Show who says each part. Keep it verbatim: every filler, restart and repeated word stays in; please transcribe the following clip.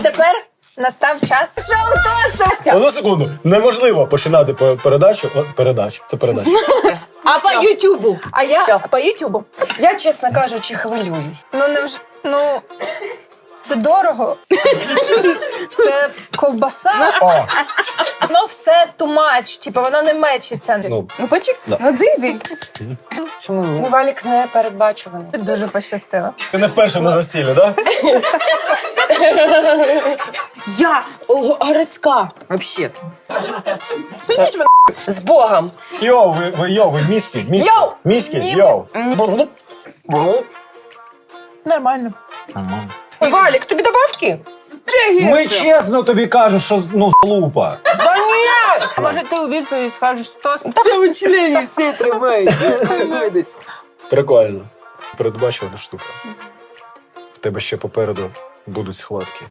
Speaker 1: Тепер настав час шоу тосту.
Speaker 2: Одну секунду. Неможливо починати по- передачу. О, передачу. Це передача.
Speaker 3: А по Ютубу?
Speaker 1: А я
Speaker 3: Всьо.
Speaker 1: по Ютубу.
Speaker 3: Я, чесно кажучи, хвилююсь.
Speaker 1: Ну не вже ну це дорого. Це ковбаса.
Speaker 2: О,
Speaker 1: Воно все too much, типу воно не мечиться.
Speaker 2: ну,
Speaker 3: Ну, почек,
Speaker 2: Да.
Speaker 3: ну дзинь-дзинь.
Speaker 2: чому ні?
Speaker 3: Ну, Валік не передбачуваний.
Speaker 1: Дуже пощастило.
Speaker 2: Ти не вперше на засіллі, так?
Speaker 3: Я о, городська, взагалі. З Богом.
Speaker 2: Йоу, ви, ви, йоу, ви міські, міські,
Speaker 1: Йоу!
Speaker 2: міські,
Speaker 1: Ні.
Speaker 2: йоу.
Speaker 1: Нормально.
Speaker 3: Валік, тобі добавки?
Speaker 4: Ми чесно тобі кажемо, що ну лупа.
Speaker 1: Да ні! А може ти у відповідь скажеш тост?
Speaker 3: Це в члені всі тримають.
Speaker 2: Прикольно. Передбачувана штука. В тебе ще попереду будуть схватки.